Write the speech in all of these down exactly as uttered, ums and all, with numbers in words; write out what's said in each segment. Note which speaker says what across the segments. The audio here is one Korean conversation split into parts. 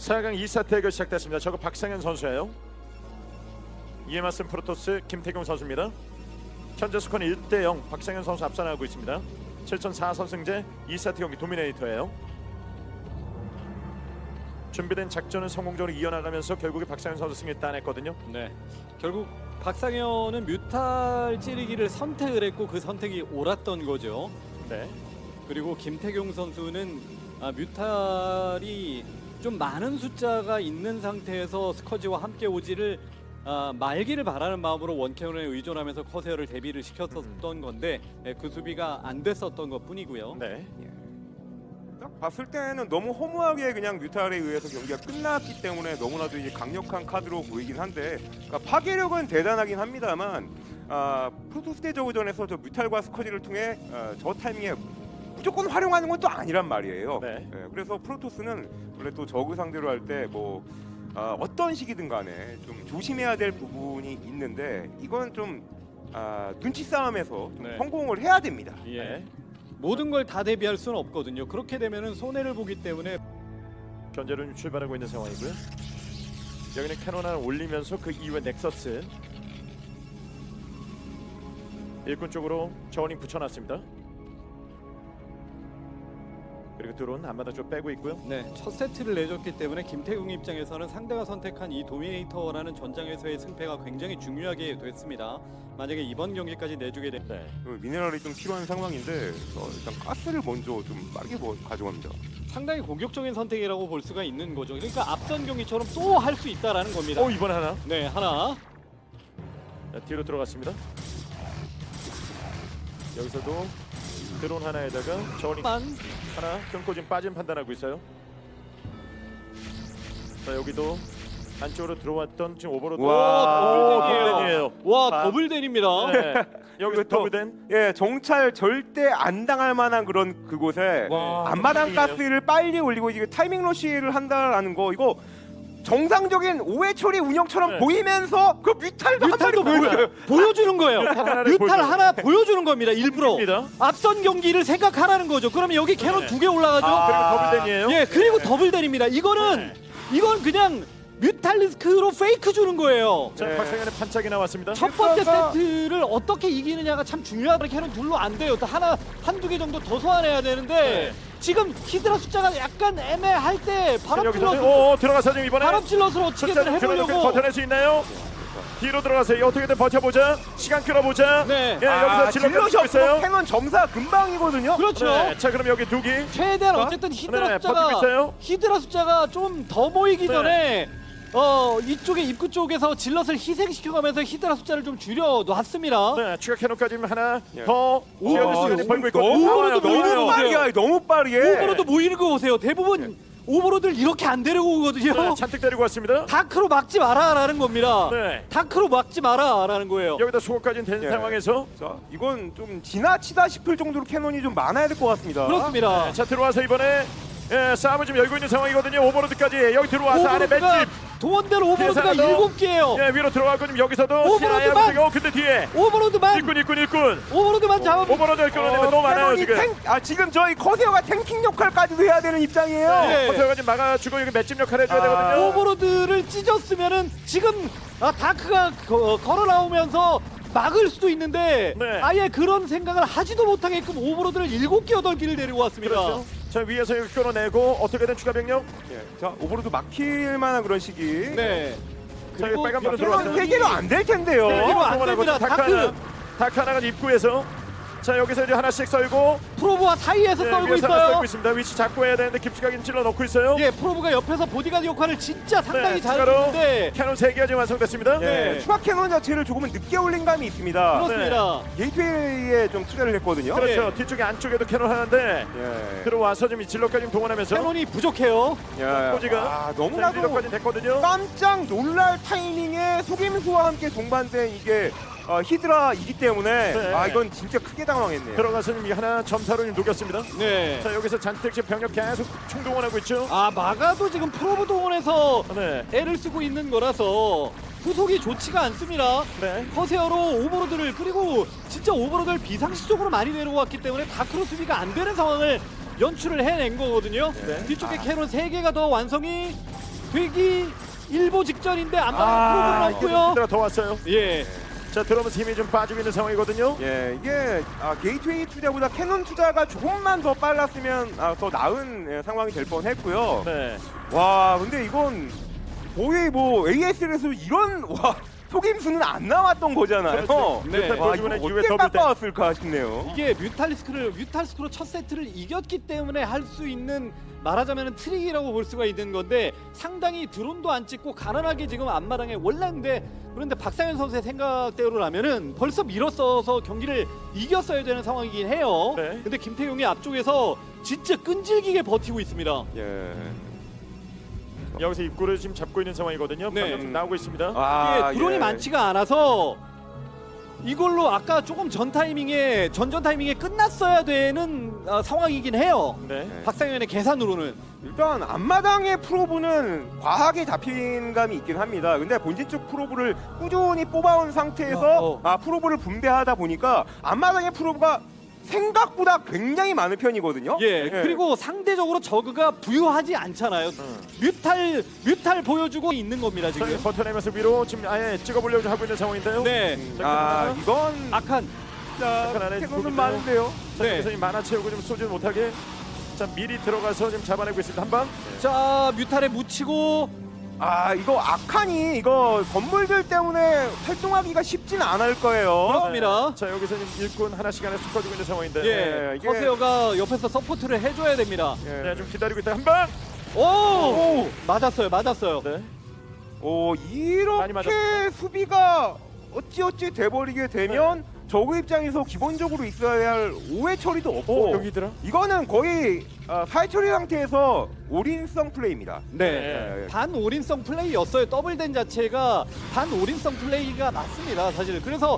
Speaker 1: 사 강 이 세트 대결 시작됐습니다. 저거 박상현 선수예요. 이에 맞선 프로토스 김태경 선수입니다. 현재 스코어는 일 대 영 박상현 선수 앞서나가고 있습니다. 칠 전 사 선승제 이 세트 경기 도미네이터예요. 준비된 작전을 성공적으로 이어나가면서 결국에 박상현 선수 승리를 따냈거든요.
Speaker 2: 네, 결국 박상현은 뮤탈 찌르기를 선택을 했고 그 선택이 옳았던 거죠.
Speaker 1: 네.
Speaker 2: 그리고 김태경 선수는 아, 뮤탈이 좀 많은 숫자가 있는 상태에서 스커지와 함께 오지를 아, 말기를 바라는 마음으로 원캐논에 의존하면서 커세어를 대비를 시켰었던 건데 예, 그 수비가 안 됐었던 것뿐이고요.
Speaker 1: 네.
Speaker 3: 딱 봤을 때는 너무 허무하게 그냥 뮤탈에 의해서 경기가 끝났기 때문에 너무나도 이제 강력한 카드로 보이긴 한데, 그러니까 파괴력은 대단하긴 합니다만 아, 프로토스 대저우전에서 저 뮤탈과 스커지를 통해 아, 저 타이밍에 무조건 활용하는 건 또 아니란 말이에요.
Speaker 1: 네.
Speaker 3: 예, 그래서 프로토스는 원래 또 저그 상대로 할 때 뭐 아, 어떤 시기든 간에 좀 조심해야 될 부분이 있는데 이건 좀 아, 눈치 싸움에서 좀
Speaker 2: 네.
Speaker 3: 성공을 해야 됩니다.
Speaker 2: 예.
Speaker 1: 네.
Speaker 2: 모든 걸 다 대비할 수는 없거든요. 그렇게 되면은 손해를 보기 때문에
Speaker 1: 견제로 출발하고 있는 상황이고요. 여기는 캐논 하나 올리면서 그 이후에 넥서스 일꾼 쪽으로 저울링 붙여놨습니다. 그리고 드론 앞마다 좀 빼고 있고요.
Speaker 2: 네, 첫 세트를 내줬기 때문에 김태경 입장에서는 상대가 선택한 이 도미네이터라는 전장에서의 승패가 굉장히 중요하게 됐습니다. 만약에 이번 경기까지 내주게 되면
Speaker 1: 네.
Speaker 3: 그 미네랄이 좀 필요한 상황인데 어, 일단 가스를 먼저 좀 빠르게 뭐 가져갑니다.
Speaker 2: 상당히 공격적인 선택이라고 볼 수가 있는 거죠. 그러니까 앞선 경기처럼 또 할 수 있다라는 겁니다.
Speaker 1: 오 이번 하나.
Speaker 2: 네, 하나.
Speaker 1: 자, 뒤로 들어갔습니다. 여기서도 드론 하나에다가 저울링
Speaker 2: 만
Speaker 1: 하나 끊고 지금 빠진 판단하고 있어요. 자 여기도 안쪽으로 들어왔던 지금 오버로드.
Speaker 3: 와,
Speaker 1: 더블댄이에요.
Speaker 2: 와,
Speaker 3: 아.
Speaker 2: 더블댄입니다.
Speaker 1: 네. 여기서
Speaker 3: 이것도-
Speaker 1: 더블댄.
Speaker 3: 예, 정찰 절대 안 당할 만한 그런 그곳에
Speaker 1: 와,
Speaker 3: 앞마당
Speaker 1: 더블댄이에요.
Speaker 3: 가스를 빨리 올리고 이게 타이밍 러시를 한다라는 거, 이거 정상적인 오해 처리 운영처럼
Speaker 1: 네.
Speaker 3: 보이면서 그 뮤탈도 한 마리
Speaker 2: 뮤탈도 보여, 보여주는 거예요.
Speaker 1: 뮤탈 하나를
Speaker 2: 뮤탈
Speaker 1: 보여줘요.
Speaker 2: 하나 보여주는 겁니다. 일부러.
Speaker 1: 입니다.
Speaker 2: 앞선 경기를 생각하라는 거죠. 그러면 여기 캐논
Speaker 1: 네.
Speaker 2: 두 개 올라가죠.
Speaker 3: 아.
Speaker 1: 그리고 더블댄이에요.
Speaker 2: 예, 그리고 더블댄입니다. 이거는
Speaker 1: 네.
Speaker 2: 이건 그냥 뮤탈리스크로 페이크 주는 거예요.
Speaker 1: 자
Speaker 3: 네.
Speaker 1: 박상현의 판짝이 나왔습니다.
Speaker 2: 첫 번째
Speaker 3: 그래서-
Speaker 2: 세트를 어떻게 이기느냐가 참 중요하다. 캐논 둘로 안 돼요. 또 하나 한두 개 정도 더 소환해야 되는데
Speaker 1: 네.
Speaker 2: 지금 히드라 숫자가 약간 애매할 때 바람
Speaker 1: 여기서
Speaker 2: 질럿
Speaker 1: 오 들어가서 지금 이번에
Speaker 2: 바람 질럿을 어떻게든
Speaker 1: 숫자를
Speaker 2: 해보려고.
Speaker 1: 버텨낼 수 있나요? 뒤로 들어가세요. 어떻게든 버텨보자. 시간 끌어보자.
Speaker 2: 네.
Speaker 1: 예,
Speaker 3: 아,
Speaker 1: 여기서 질러
Speaker 3: 질럿이
Speaker 1: 고 있어요.
Speaker 3: 없으면 캐논 점사 금방이거든요.
Speaker 2: 그렇죠.
Speaker 1: 네, 자 그럼 여기 두 개.
Speaker 2: 최대한 어쨌든 히드라
Speaker 1: 네,
Speaker 2: 숫자가
Speaker 1: 버티고 있어요.
Speaker 2: 히드라 숫자가 좀 더 모이기
Speaker 1: 네.
Speaker 2: 전에 어 이쪽에 입구 쪽에서 질럿을 희생시켜가면서 히드라 숫자를 좀 줄여 놨습니다.
Speaker 1: 네, 추가 캐논까지 하나
Speaker 3: 예.
Speaker 1: 더
Speaker 2: 오,
Speaker 1: 지어줄
Speaker 2: 오,
Speaker 1: 시간이
Speaker 2: 오,
Speaker 1: 벌고 있고.
Speaker 3: 너무
Speaker 2: 오버로드
Speaker 3: 너무
Speaker 2: 모이는
Speaker 3: 빠르게, 너무 빠르게.
Speaker 2: 오버로드 모이는 거 보세요. 대부분 오버로드를 이렇게 안 데리고 오거든요.
Speaker 1: 네, 잔뜩 데리고 왔습니다.
Speaker 2: 다크로 막지 마라라는 겁니다.
Speaker 1: 네.
Speaker 2: 다크로 막지 마라라는 거예요.
Speaker 1: 여기다 수호까지 된
Speaker 3: 예.
Speaker 1: 상황에서
Speaker 3: 자, 이건 좀 지나치다 싶을 정도로 캐논이 좀 많아야 될 것 같습니다.
Speaker 2: 그렇습니다.
Speaker 1: 네, 자 들어와서 이번에 예, 싸움을 좀 열고 있는 상황이거든요. 오버로드까지 여기 들어와서 안에
Speaker 2: 오버로드가
Speaker 1: 맷집.
Speaker 2: 도원대로 오버로드가
Speaker 1: 뒤에서
Speaker 2: 일곱 개예요.
Speaker 1: 예, 위로 들어가고 지금 여기서도
Speaker 2: 오버로드만!
Speaker 1: 시야야, 어 근데 뒤에
Speaker 2: 오버로드만
Speaker 1: 일꾼 일꾼 일꾼
Speaker 2: 오버로드만 잡아.
Speaker 1: 오버로드 끌어내면 너무 많아요
Speaker 3: 캐논이
Speaker 1: 지금.
Speaker 3: 탱, 아 지금 저희 커세어가 탱킹 역할까지도 해야 되는 입장이에요.
Speaker 2: 네.
Speaker 1: 허세가 지금 막아주고 여기 맷집 역할 해줘야
Speaker 3: 아,
Speaker 1: 되거든요.
Speaker 2: 오버로드를 찢었으면은 지금 아, 다크가 거, 걸어 나오면서 막을 수도 있는데
Speaker 1: 네.
Speaker 2: 아예 그런 생각을 하지도 못하게끔 오버로드를 일곱 개 여덟 개를 데리고 왔습니다.
Speaker 1: 그렇죠. 자 위에서 여기 끌어내고 어떻게든 추가 병력.
Speaker 3: 예. 자, 오버로드 막힐 만한 그런 시기.
Speaker 2: 네.
Speaker 1: 자, 여기 빨간 불은
Speaker 2: 캐논
Speaker 1: 들어왔어요.
Speaker 3: 세 개로 안 될 텐데요.
Speaker 2: 세 개로 안
Speaker 1: 동원하고
Speaker 2: 됩니다.
Speaker 1: 다크
Speaker 2: 다크.
Speaker 1: 하나, 다크 하나가 입구에서 자 여기서 이제 하나씩 썰고
Speaker 2: 프로브와 사이에서
Speaker 1: 네,
Speaker 2: 떨고
Speaker 1: 위에서 하나
Speaker 2: 있어요.
Speaker 1: 썰고 있습니다. 위치 잡고 해야 되는데 깊숙하게 찔러 넣고 있어요.
Speaker 2: 예, 프로브가 옆에서 보디가드 역할을 진짜 상당히
Speaker 1: 네,
Speaker 2: 잘해주는데
Speaker 1: 캐논 세 개가 지금 완성됐습니다.
Speaker 2: 네.
Speaker 3: 예, 추가 캐논 자체를 조금은 늦게 올린 감이 있습니다.
Speaker 2: 그렇습니다.
Speaker 3: 게이트웨이에 좀 투자를 했거든요.
Speaker 1: 그렇죠.
Speaker 2: 예.
Speaker 1: 뒤쪽에 안쪽에도 캐논 하나인데
Speaker 3: 예.
Speaker 1: 들어와서 지금 이 질럿까지 동원하면서
Speaker 2: 캐논이 부족해요.
Speaker 3: 야,
Speaker 1: 꼬지가
Speaker 3: 아, 너무나도
Speaker 1: 질럿까지 됐거든요.
Speaker 3: 깜짝 놀랄 타이밍에 속임수와 함께 동반된 이게 어, 히드라이기 때문에
Speaker 1: 네.
Speaker 3: 아 이건 진짜 크게 당황했네요.
Speaker 1: 들어가서 지금 이 하나 점사로 지금 녹였습니다.
Speaker 2: 네.
Speaker 1: 자 여기서 잔뜩 지금 병력 계속 총동원하고 있죠.
Speaker 2: 아, 마가도 지금 프로브 동원해서
Speaker 1: 네.
Speaker 2: 애를 쓰고 있는 거라서 후속이 좋지가 않습니다.
Speaker 1: 네.
Speaker 2: 커세어로 오버로드를 그리고 진짜 오버로드를 비상시적으로 많이 내려왔기 때문에 다크로 수비가 안 되는 상황을 연출을 해낸 거거든요.
Speaker 1: 네.
Speaker 2: 뒤쪽에 캐논 세 개가 더 완성이 되기 일보 직전인데
Speaker 1: 아,
Speaker 2: 안방에 프로브를 넣고요.
Speaker 1: 히드라 더 왔어요.
Speaker 2: 예.
Speaker 1: 자, 들어오면서 힘이 좀 빠지고 있는 상황이거든요.
Speaker 3: 예, 이게 아, 게이트웨이 투자보다 캐논 투자가 조금만 더 빨랐으면 아, 더 나은 예, 상황이 될 뻔했고요.
Speaker 1: 네.
Speaker 3: 와, 근데 이건 거의 뭐 에이에스에서 이런 와 속임수는 안 나왔던 거잖아요.
Speaker 1: 그렇죠.
Speaker 2: 네.
Speaker 1: 뮤탈
Speaker 3: 와,
Speaker 1: 보여주고
Speaker 3: 이거
Speaker 1: 난 이후에
Speaker 3: 어떻게
Speaker 1: 더블 때.
Speaker 3: 깎아왔을까 싶네요.
Speaker 2: 이게 뮤탈리스크를 뮤탈리스크로 첫 세트를 이겼기 때문에 할 수 있는 말하자면 트릭이라고 볼 수가 있는 건데 상당히 드론도 안 찍고 가난하게 지금 앞마당에 올랐는데 그런데 박상현 선수의 생각대로라면은 벌써 밀었어서 경기를 이겼어야 되는 상황이긴 해요.
Speaker 1: 네.
Speaker 2: 근데 김태용이 앞쪽에서 진짜 끈질기게 버티고 있습니다.
Speaker 3: 예.
Speaker 1: 여기서 입구를 지금 잡고 있는 상황이거든요.
Speaker 2: 네.
Speaker 1: 방금 좀 나오고 있습니다.
Speaker 3: 아,
Speaker 2: 이게 드론이
Speaker 3: 예.
Speaker 2: 많지가 않아서 이걸로 아까 조금 전 타이밍에 전전 타이밍에 끝났어야 되는 어, 상황이긴 해요.
Speaker 1: 네.
Speaker 2: 박상현의 계산으로는.
Speaker 3: 일단 앞마당의 프로브는 과하게 잡힌 감이 있긴 합니다. 근데 본진 쪽 프로브를 꾸준히 뽑아온 상태에서
Speaker 2: 어, 어.
Speaker 3: 아 프로브를 분배하다 보니까 앞마당의 프로브가 생각보다 굉장히 많은 편이거든요.
Speaker 2: 예, 그리고 상대적으로 저그가 부유하지 않잖아요.
Speaker 1: 음.
Speaker 2: 뮤탈 뮤탈 보여주고 있는 겁니다
Speaker 1: 자,
Speaker 2: 지금.
Speaker 1: 버텨내면서 위로 지금 아예 찍어보려고 하고 있는 상황인데요.
Speaker 2: 네,
Speaker 1: 자,
Speaker 3: 아 이건
Speaker 2: 악한.
Speaker 3: 자
Speaker 1: 약간 안에
Speaker 3: 캐논은
Speaker 1: 보기도
Speaker 3: 많은데요.
Speaker 1: 자,
Speaker 2: 네.
Speaker 1: 여기서 이 만화 채우고 좀 쏘지 못하게. 자, 미리 들어가서 지금 잡아내고 있습니다. 한 방.
Speaker 2: 자 뮤탈에 묻히고
Speaker 3: 아 이거 악한이 이거 건물들 때문에 활동하기가 쉽진 않을 거예요.
Speaker 2: 그렇습니다.
Speaker 1: 자, 여기서 지금 일꾼 하나씩 안에 쏟아지고 있는 상황인데.
Speaker 2: 예,
Speaker 3: 네, 이게-
Speaker 2: 커세어가 옆에서 서포트를 해줘야 됩니다.
Speaker 3: 예.
Speaker 1: 네, 좀 기다리고 있다. 한 방.
Speaker 2: 오,
Speaker 3: 오!
Speaker 2: 맞았어요, 맞았어요.
Speaker 1: 네.
Speaker 3: 오
Speaker 1: 많이
Speaker 3: 이렇게
Speaker 1: 맞았어요.
Speaker 3: 수비가 어찌어찌 돼버리게 되면 저그 입장에서 기본적으로 있어야 할 오해 처리도 없고
Speaker 1: 오, 여기더라.
Speaker 3: 이거는 거의 어, 사회 처리 상태에서 올인성 플레이입니다.
Speaker 2: 네,
Speaker 3: 예.
Speaker 2: 반 올인성 플레이였어요. 더블된 자체가 반 올인성 플레이가 맞습니다, 사실. 그래서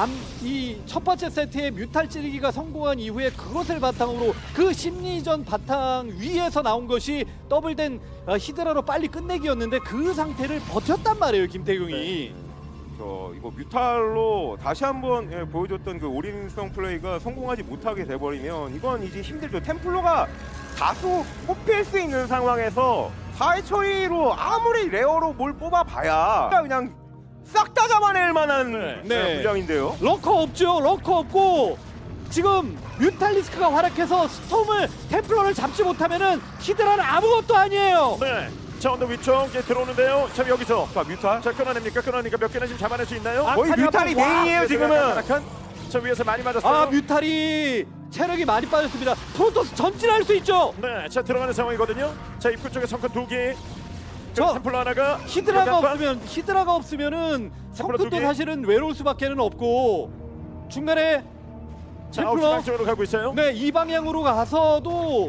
Speaker 2: 이 첫 번째 세트에 뮤탈 찌르기가 성공한 이후에 그것을 바탕으로 그 심리전 바탕 위에서 나온 것이 더블된 어, 히드라로 빨리 끝내기였는데 그 상태를 버텼단 말이에요, 김태경이.
Speaker 3: 저 이거 뮤탈로 다시 한번 예, 보여줬던 그 올인성 플레이가 성공하지 못하게 돼버리면 이건 이제 힘들죠. 템플러가 다수 뽑힐 수 있는 상황에서 사회 처리로 아무리 레어로 뭘 뽑아봐야 그냥 싹 다 잡아낼 만한
Speaker 1: 네.
Speaker 2: 네.
Speaker 3: 예, 물량인데요.
Speaker 2: 러커 없죠, 러커 없고 지금 뮤탈리스크가 활약해서 스톰을 템플러를 잡지 못하면은 히드라는 아무것도 아니에요.
Speaker 1: 네. 자, 언더 위쪽 이제 들어오는데요. 자, 여기서.
Speaker 3: 자 뮤탈.
Speaker 1: 자, 끊어냅니까? 끊어내니까 몇 개나 지금 잡아낼 수 있나요?
Speaker 2: 아,
Speaker 3: 거의
Speaker 2: 아칸이
Speaker 3: 뮤탈이
Speaker 2: 한번 와.
Speaker 3: 메인이에요 지금은.
Speaker 1: 약간 저 위에서 많이 맞았어요.
Speaker 2: 아 뮤탈이 체력이 많이 빠졌습니다. 프로토스 전진할 수 있죠.
Speaker 1: 네, 자 들어가는 상황이거든요. 자, 입구 쪽에 성큰 두 개.
Speaker 2: 저
Speaker 1: 템플러 하나가
Speaker 2: 히드라가
Speaker 1: 여기 한 방.
Speaker 2: 없으면 히드라가 없으면은
Speaker 1: 템플러 두
Speaker 2: 성큰도
Speaker 1: 개.
Speaker 2: 사실은 외로울 수밖에는 없고 중간에
Speaker 1: 자, 아홉 시
Speaker 2: 템플러
Speaker 1: 방쪽으로 가고 있어요.
Speaker 2: 네 이 방향으로 가서도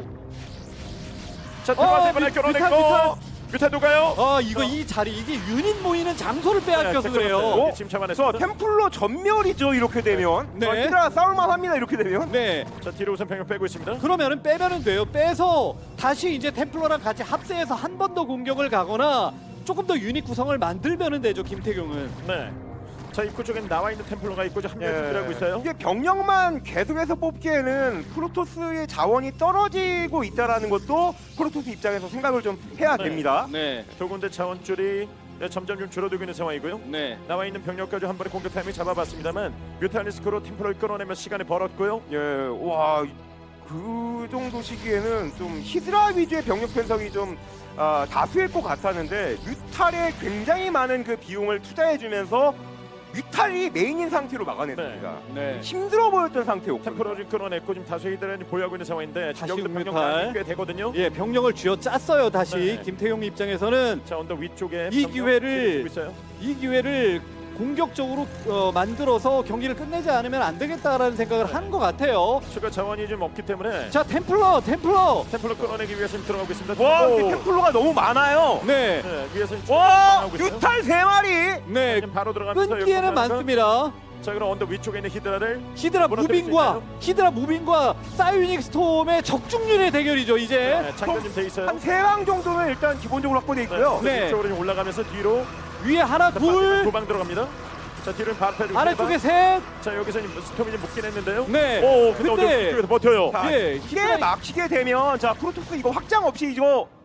Speaker 1: 자, 들어가서
Speaker 2: 어,
Speaker 1: 이번에
Speaker 2: 뮤-
Speaker 1: 끌어냈고
Speaker 2: 뮤탈,
Speaker 1: 뮤탈도 가요.
Speaker 2: 아 이거 이 자리 이게 유닛 모이는 장소를 빼앗겨서
Speaker 1: 네,
Speaker 2: 그래요.
Speaker 1: 어? 지금
Speaker 3: 저
Speaker 1: 잡아냈습니다.
Speaker 3: 템플러 전멸이죠 이렇게 되면.
Speaker 2: 네.
Speaker 3: 어, 히드라 싸울만 합니다 이렇게 되면.
Speaker 2: 네
Speaker 1: 자, 뒤로 우선 병력 빼고 있습니다.
Speaker 2: 그러면은 빼면은 돼요. 빼서 다시 이제 템플러랑 같이 합세해서 한 번 더 공격을 가거나 조금 더 유닛 구성을 만들면은 되죠 김태경은.
Speaker 1: 네. 자, 입구 쪽엔 나와 있는 템플러가 있고 지금 한명
Speaker 3: 예.
Speaker 1: 준비하고 있어요.
Speaker 3: 이게 병력만 계속해서 뽑기에는 프로토스의 자원이 떨어지고 있다라는 것도 프로토스 입장에서 생각을 좀 해야
Speaker 1: 네.
Speaker 3: 됩니다.
Speaker 2: 네,
Speaker 1: 두 군데 자원줄이 네, 점점 좀 줄어들고 있는 상황이고요.
Speaker 2: 네.
Speaker 1: 나와 있는 병력까지 한 번에 공격 타이밍 잡아봤습니다만 뮤탈리스크로 템플러를 끌어내며 시간을 벌었고요.
Speaker 3: 예, 와, 그 정도 시기에는 좀 히드라 위주의 병력 편성이 좀 아, 다수일 것 같았는데 뮤탈에 굉장히 많은 그 비용을 투자해주면서 뮤탈이 메인인 상태로 막아냈습니다.
Speaker 2: 네.
Speaker 3: 힘들어 보였던 상태였고.
Speaker 1: 템플러를 끌어냈고 지금 다수 히드라를 보유하고 있는 상황인데 지금
Speaker 2: 다시
Speaker 1: 여기도 병력
Speaker 2: 뮤탈.
Speaker 1: 양이 꽤 되거든요.
Speaker 2: 예, 병력을 쥐어 짰어요. 다시
Speaker 1: 네.
Speaker 2: 김태용 입장에서는
Speaker 1: 자, 언더 위쪽에
Speaker 2: 이
Speaker 1: 병력
Speaker 2: 기회를-
Speaker 1: 지키고 있어요.
Speaker 2: 이 기회를 공격적으로 어, 만들어서 경기를 끝내지 않으면 안 되겠다라는 생각을 한 것 같아요.
Speaker 1: 추가 자원이 좀 없기 때문에
Speaker 2: 자, 템플러, 템플러.
Speaker 1: 템플러 끌어내기 위해서 지금 들어가고 있습니다.
Speaker 3: 와,
Speaker 1: 오.
Speaker 3: 근데 템플러가 너무 많아요.
Speaker 2: 네,
Speaker 1: 네, 위에서 지금
Speaker 3: 와,
Speaker 1: 하고 있어요.
Speaker 3: 뮤탈 세 마리.
Speaker 2: 네.
Speaker 1: 지금 바로 들어가면서
Speaker 2: 끈기에는
Speaker 1: 여기 보면은
Speaker 2: 많습니다.
Speaker 1: 자, 그럼 언더 위쪽에 있는 히드라를
Speaker 2: 히드라
Speaker 1: 무너뜨릴 수
Speaker 2: 무빙과
Speaker 1: 있나요?
Speaker 2: 히드라 무빙과 사이오닉 스톰의 적중률의 대결이죠. 이제.
Speaker 1: 네, 장전 좀 돼 있어요.
Speaker 3: 한 세 방 정도는 일단 기본적으로 확보돼 있고요.
Speaker 2: 네.
Speaker 1: 위쪽으로 좀 올라가면서 뒤로
Speaker 2: 위에 하나, 둘,
Speaker 1: 두방 들어갑니다. 자, 뒤로는 바로 빼주고
Speaker 2: 아래쪽에 셋.
Speaker 1: 자, 여기서 지금 스톰이 좀 묶긴 했는데요.
Speaker 2: 네.
Speaker 1: 오, 근데,
Speaker 2: 근데-
Speaker 1: 언더 위쪽에서 버텨요.
Speaker 3: 자,
Speaker 2: 예,
Speaker 3: 이게
Speaker 2: 히드라-
Speaker 3: 막히게 되면 자 프로토스 이거 확장 없이 이거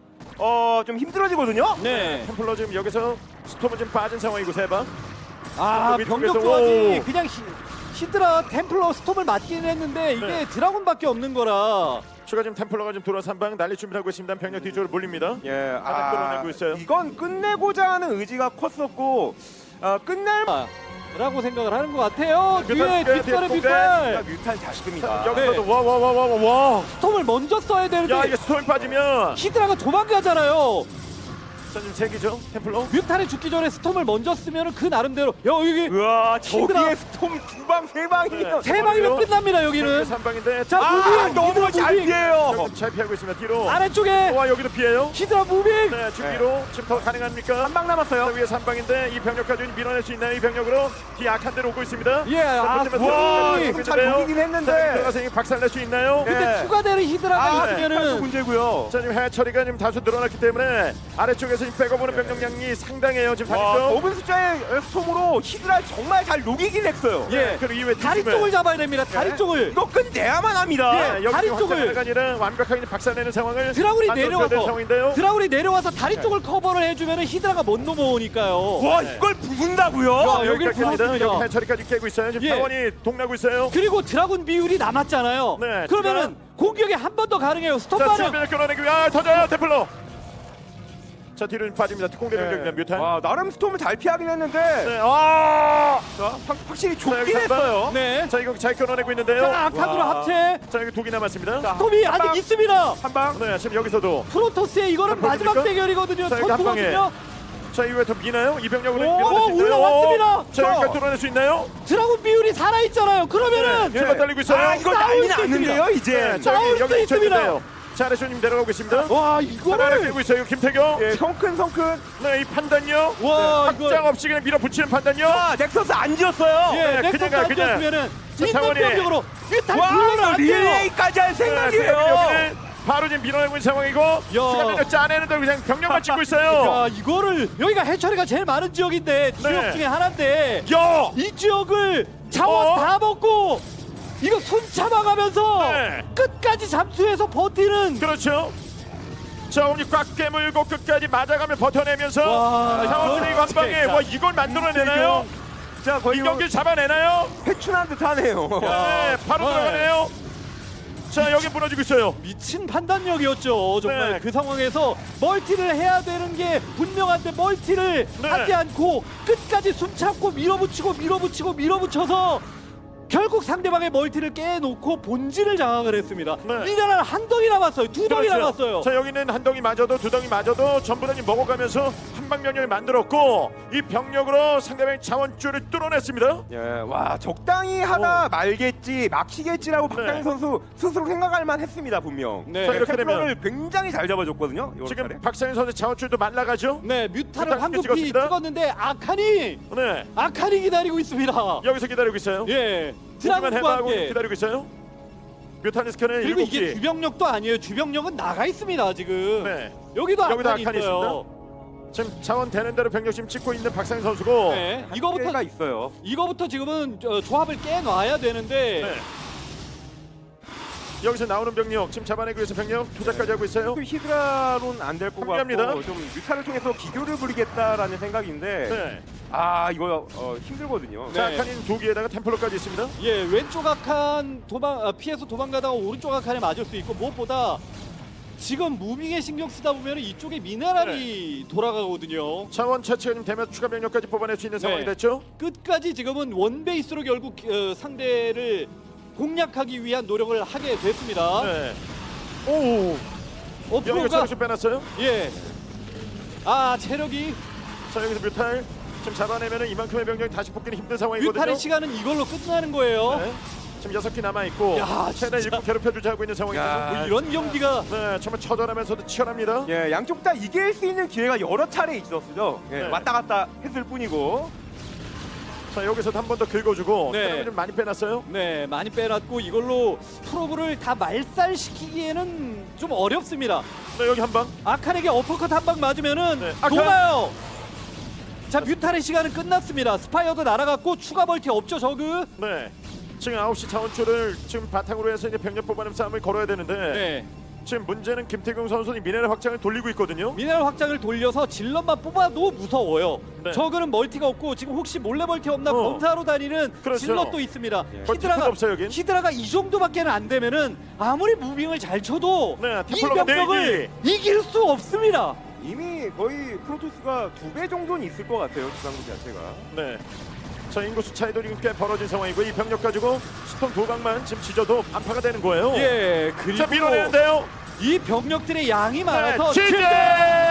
Speaker 3: 어, 좀 힘들어지거든요.
Speaker 2: 네.
Speaker 1: 템플러 지금 여기서 스톰은 지금 빠진 상황이고 세바.
Speaker 2: 아,
Speaker 1: 위쪽에서-
Speaker 2: 병력 조합이
Speaker 1: 오.
Speaker 2: 그냥 히, 히드라 템플러 스톰을 맞기는 했는데 이게
Speaker 1: 네.
Speaker 2: 드라군밖에 없는 거라.
Speaker 1: 추가 지금 템플러가 지금 들어와서 한 방 날릴 준비를 하고 있습니다. 병력 뒤쪽으로 몰립니다.
Speaker 3: 예,
Speaker 1: 아직 끌어내고 있어요.
Speaker 3: 이건 끝내고자 하는 의지가 컸었고 어, 끝낼
Speaker 2: 라고 생각을 하는 것 같아요.
Speaker 1: 뮤탈,
Speaker 2: 뒤에
Speaker 1: 뒤에,
Speaker 2: 뒷발에
Speaker 1: 뒤에
Speaker 2: 뮤탈
Speaker 3: 뮤탄 잘 씁니다.
Speaker 1: 자, 여기서도 와와와와와 와.
Speaker 2: 스톰을 먼저 써야 되는데
Speaker 1: 야 이게 스톰이 빠지면
Speaker 2: 히드라가 도망가잖아요.
Speaker 1: 자 지금 세 기죠 템플러.
Speaker 2: 뮤탈이 죽기 전에 스톰을 먼저 쓰면 그 나름대로 야 여기
Speaker 3: 우와,
Speaker 2: 히드라.
Speaker 3: 저기에 스톰 두 방 세 방이요.
Speaker 1: 네.
Speaker 2: 세 방이면 끝납니다 여기는.
Speaker 1: 삼 방인데
Speaker 2: 자
Speaker 3: 아,
Speaker 2: 무빙
Speaker 3: 너무
Speaker 2: 히드라
Speaker 3: 잘
Speaker 2: 무빙.
Speaker 3: 피해요.
Speaker 1: 여기 잘 피하고 있습니다. 뒤로.
Speaker 2: 아래쪽에
Speaker 1: 와 여기도 피해요.
Speaker 2: 히드라 무빙.
Speaker 1: 네 지금
Speaker 3: 네.
Speaker 1: 뒤로 지금 더 가능합니까?
Speaker 3: 한 방
Speaker 1: 자,
Speaker 3: 남았어요.
Speaker 1: 위에 삼 방인데 이 병력까지 밀어낼 수 있나요? 이 병력으로 뒤 악한 데로 오고 있습니다.
Speaker 2: 예, 아,
Speaker 3: 와,
Speaker 2: 무빙.
Speaker 3: 조금 잘 보이긴 했는데.
Speaker 1: 들어가서 박살낼 수 있나요?
Speaker 3: 네.
Speaker 2: 근데 추가되는 히드라가
Speaker 3: 아,
Speaker 1: 네.
Speaker 3: 스톱도
Speaker 2: 있으면은
Speaker 3: 문제고요.
Speaker 1: 자 지금 해처리가 지금 다소 늘어났기 때문에 아래쪽에서 지금 빼고보는 병력량이 상당해요. 지금
Speaker 3: 와,
Speaker 1: 다리죠.
Speaker 3: 적은 숫자의 스톰으로 히드라 정말 잘 녹이긴 했어요.
Speaker 2: 예.
Speaker 1: 그리고 이후에
Speaker 2: 다리
Speaker 1: 뒤집을.
Speaker 2: 쪽을 잡아야 됩니다. 다리
Speaker 3: 네.
Speaker 2: 쪽을.
Speaker 3: 이거 끝내야만 합니다.
Speaker 2: 예.
Speaker 1: 여기
Speaker 2: 다리
Speaker 1: 지금
Speaker 2: 쪽을.
Speaker 1: 확장하가 아니라 완벽하게 박살내는 상황을
Speaker 2: 드라군이
Speaker 1: 만들어줘야
Speaker 2: 내려와서
Speaker 1: 되는 상황인데요.
Speaker 2: 드라군이 내려와서 다리
Speaker 1: 네.
Speaker 2: 쪽을 커버를 해주면은 히드라가 못 넘어오니까요.
Speaker 3: 와,
Speaker 1: 네.
Speaker 3: 이걸 부순다고요?
Speaker 2: 야,
Speaker 1: 자,
Speaker 2: 여기를
Speaker 1: 여기까지 갑니다.
Speaker 2: 부쉈습니다.
Speaker 1: 여기 해처리까지 깨고 있어요. 지금
Speaker 2: 예.
Speaker 1: 타원이 동나고 있어요.
Speaker 2: 그리고 드라군 비율이 남았잖아요.
Speaker 1: 네,
Speaker 2: 그러면은 공격이 한 번 더 가능해요. 스톱
Speaker 1: 자,
Speaker 2: 반응.
Speaker 1: 지금 끌어내기. 아, 터져요, 템플러. 자, 뒤로 좀 빠집니다. 특공대 병력입니다. 뮤탄.
Speaker 3: 와, 나름 스톰을 잘 피하긴 했는데
Speaker 1: 네, 아!
Speaker 3: 자, 확, 확실히
Speaker 1: 자, 여기
Speaker 3: 좁긴
Speaker 1: 한 방.
Speaker 3: 했어요.
Speaker 2: 네.
Speaker 1: 자, 이거 잘 끌어내고 있는데요.
Speaker 2: 자, 아칸으로
Speaker 3: 와.
Speaker 2: 합체.
Speaker 1: 자, 여기 독이 남았습니다.
Speaker 3: 자,
Speaker 2: 스톱이
Speaker 3: 한
Speaker 2: 아직
Speaker 3: 방,
Speaker 2: 있습니다.
Speaker 3: 한 방.
Speaker 1: 네, 지금 여기서도.
Speaker 2: 프로토스의 이거는
Speaker 1: 자,
Speaker 2: 마지막
Speaker 1: 보여드릴까?
Speaker 2: 대결이거든요.
Speaker 1: 자, 여기 한 방에.
Speaker 2: 전투거든요.
Speaker 1: 자, 이후에 더 미나요? 이 병력으로
Speaker 2: 오,
Speaker 1: 밀어낼 수 있나요?
Speaker 2: 올라왔습니다.
Speaker 1: 오, 자, 여기까지 뚫어낼 수 있나요?
Speaker 2: 드라군 비율이 살아있잖아요. 그러면은
Speaker 1: 네, 지금 달리고 있어요.
Speaker 3: 아, 이거
Speaker 2: 싸울
Speaker 3: 난리
Speaker 2: 수
Speaker 3: 났는데요, 이제.
Speaker 1: 네, 자,
Speaker 2: 싸울
Speaker 1: 여기,
Speaker 2: 수
Speaker 1: 여기
Speaker 2: 있습니다.
Speaker 1: 있는데요. 자, 아래쇼님 내려가고 있습니다.
Speaker 2: 와
Speaker 1: 하나를
Speaker 2: 이거를
Speaker 1: 깨고 있어요. 김태경.
Speaker 3: 예, 성큰 성큰.
Speaker 1: 네, 이 판단요.
Speaker 2: 와
Speaker 1: 확장
Speaker 2: 이거
Speaker 1: 없이 그냥 밀어붙이는 판단요.
Speaker 3: 아, 넥서스 안 지었어요.
Speaker 2: 예
Speaker 1: 네,
Speaker 2: 넥서스
Speaker 1: 그냥 가,
Speaker 2: 안
Speaker 1: 그냥.
Speaker 2: 지었으면은
Speaker 1: 자,
Speaker 2: 있는
Speaker 1: 타원이.
Speaker 2: 병력으로 일단
Speaker 3: 와,
Speaker 2: 불러는
Speaker 3: 이거
Speaker 2: 안 돼요.
Speaker 3: 릴레이까지 할
Speaker 1: 네,
Speaker 3: 생각이에요.
Speaker 1: 여기는 바로 지금 밀어내고 있는 상황이고 시간을 짜내는데 그냥 병력만 찍고 있어요.
Speaker 2: 야 이거를 여기가 해처리가 제일 많은 지역인데 지역
Speaker 1: 네.
Speaker 2: 중에 하나인데
Speaker 1: 야!
Speaker 2: 이 지역을 자원
Speaker 1: 어?
Speaker 2: 다 먹고 이거 손 참아가면서
Speaker 1: 네.
Speaker 2: 끝까지 잠수해서 버티는
Speaker 1: 그렇죠. 자, 오늘 꽉 깨물고 끝까지 맞아가며 버텨내면서
Speaker 2: 와,
Speaker 1: 상원들이
Speaker 2: 이건
Speaker 1: 관방에
Speaker 2: 진짜.
Speaker 1: 와 이걸 만들어내나요?
Speaker 3: 자, 거의
Speaker 1: 이
Speaker 3: 뭐
Speaker 1: 경기를 잡아내나요?
Speaker 3: 회춘한 듯하네요.
Speaker 1: 네, 바로
Speaker 2: 네.
Speaker 1: 들어가네요. 자, 여기 무너지고 있어요.
Speaker 2: 미친 판단력이었죠. 정말
Speaker 1: 네.
Speaker 2: 그 상황에서 멀티를 해야 되는 게 분명한데 멀티를
Speaker 1: 네.
Speaker 2: 하지 않고 끝까지 숨 참고 밀어붙이고 밀어붙이고 밀어붙여서 결국 상대방의 멀티를 깨놓고 본진을 장악을 했습니다.
Speaker 1: 네.
Speaker 2: 미네랄 한 덩이 남았어요. 두 덩이
Speaker 1: 그렇죠.
Speaker 2: 남았어요.
Speaker 1: 자, 여기는 한 덩이 맞아도 두 덩이 맞아도 전부 다 먹어가면서 한방면역을 만들었고 이 병력으로 상대방의 자원줄을 뚫어냈습니다.
Speaker 3: 예, 와, 적당히 하다 말겠지, 막히겠지라고
Speaker 1: 네.
Speaker 3: 박상희 선수 스스로 생각할 만했습니다, 분명.
Speaker 2: 네.
Speaker 1: 자, 이렇게
Speaker 3: 템플러를 굉장히 잘 잡아줬거든요. 이번
Speaker 1: 지금
Speaker 3: 차례.
Speaker 1: 박상현 선수 자원줄도 말라가죠.
Speaker 2: 네,
Speaker 1: 일단
Speaker 2: 뮤타를 황급히
Speaker 1: 찍었습니다.
Speaker 2: 찍었는데 아칸이
Speaker 1: 네,
Speaker 2: 아칸이 기다리고 있습니다.
Speaker 1: 여기서 기다리고 있어요.
Speaker 2: 예,
Speaker 1: 드라만
Speaker 2: 드라군과
Speaker 1: 해봐하고
Speaker 2: 함께.
Speaker 1: 기다리고 있어요. 뮤타니스크는
Speaker 2: 그리고
Speaker 1: 일곱
Speaker 2: 이게
Speaker 1: 기.
Speaker 2: 주병력도 아니에요. 주병력은 나가 있습니다 지금.
Speaker 1: 네.
Speaker 2: 여기도
Speaker 1: 여기도
Speaker 2: 아칸이
Speaker 1: 아칸이
Speaker 2: 있어요.
Speaker 1: 지금 자원 되는 대로 병력 지금 찍고 있는 박상현 선수고.
Speaker 2: 네, 이거부터
Speaker 3: 한계가 있어요.
Speaker 2: 이거부터 지금은 저, 조합을 깨놔야 되는데
Speaker 1: 네. 여기서 나오는 병력 지금 잡아내기 위해서 병력 투자까지 하고 있어요.
Speaker 3: 그 히드라로는 안 될 것
Speaker 1: 합리합니다.
Speaker 3: 같고 좀 뮤타를 통해서 기교를 부리겠다라는 생각인데
Speaker 1: 네.
Speaker 3: 아, 이거 어, 힘들거든요.
Speaker 2: 네.
Speaker 1: 자, 아칸인 두 기에다가 템플러까지 있습니다.
Speaker 2: 예 왼쪽 아칸 도망 아, 피해서 도망가다가 오른쪽 아칸에 맞을 수 있고 무엇보다 지금 무빙에 신경 쓰다 보면 이쪽에 미네랄이 돌아가거든요.
Speaker 1: 자원 차치가 좀 되면 추가 병력까지 뽑아낼 수 있는
Speaker 2: 네.
Speaker 1: 상황이 됐죠.
Speaker 2: 끝까지 지금은 원 베이스로 결국 어, 상대를 공략하기 위한 노력을 하게 됐습니다.
Speaker 1: 네. 오.
Speaker 2: 어
Speaker 1: 여기가
Speaker 2: 프로가
Speaker 1: 체력 좀 빼놨어요.
Speaker 2: 예. 아 체력이
Speaker 1: 자, 여기서 뮤탈 지금 잡아내면은 이만큼의 병력이 다시 뽑기는 힘든 상황이거든요.
Speaker 2: 뮤탈의 시간은 이걸로 끝나는 거예요.
Speaker 1: 네. 지금 여섯 기 남아 있고
Speaker 2: 야,
Speaker 1: 최대한
Speaker 2: 진짜.
Speaker 1: 일꾼 괴롭혀주자 하고 있는 상황이거든요.
Speaker 3: 야.
Speaker 2: 뭐 이런 경기가
Speaker 1: 네, 정말 처절하면서도 치열합니다.
Speaker 3: 예, 양쪽 다 이길 수 있는 기회가 여러 차례 있었죠. 예,
Speaker 1: 네.
Speaker 3: 왔다 갔다 했을 뿐이고.
Speaker 1: 자, 여기서도 한 번 더 긁어주고
Speaker 2: 네.
Speaker 1: 체력을 좀 많이 빼놨어요.
Speaker 2: 네 많이 빼놨고 이걸로 프로브를 다 말살시키기에는 좀 어렵습니다.
Speaker 1: 네, 여기 한 방.
Speaker 2: 아칸에게 어퍼컷 한 방 맞으면은
Speaker 1: 네, 아칸.
Speaker 2: 녹아요. 자 뮤탈의 시간은 끝났습니다. 스파이어도 날아갔고 추가 멀티 없죠 저그.
Speaker 1: 네. 지금 아홉 시 자원줄을 지금 바탕으로 해서 이제 병력 뽑아내는 싸움을 걸어야 되는데
Speaker 2: 네.
Speaker 1: 지금 문제는 김태경 선수는 미네랄 확장을 돌리고 있거든요.
Speaker 2: 미네랄 확장을 돌려서 질럿만 뽑아도 무서워요.
Speaker 1: 네.
Speaker 2: 저거는 멀티가 없고 지금 혹시 몰래 멀티 없나
Speaker 1: 어.
Speaker 2: 검사로 다니는
Speaker 1: 그렇죠.
Speaker 2: 질럿도 있습니다.
Speaker 1: 멀티가
Speaker 2: 히드라가
Speaker 1: 없어요, 여긴.
Speaker 2: 히드라가 이 정도밖에 안 되면은 아무리 무빙을 잘 쳐도
Speaker 1: 네,
Speaker 2: 이
Speaker 1: 템플러가
Speaker 2: 병력을 이길 수 없습니다.
Speaker 3: 이미 거의 프로토스가 두 배 정도는 있을 것 같아요. 지상군 자체가.
Speaker 1: 네. 자, 인구수 차이도 지금 꽤 벌어진 상황이고 이 병력 가지고 스톰 두 방만 지금 지져도 안파가 되는 거예요.
Speaker 2: 예, 그리고
Speaker 1: 자, 밀어내는데요.
Speaker 2: 이 병력들의 양이 많아서
Speaker 1: 네, 지제!
Speaker 2: 최대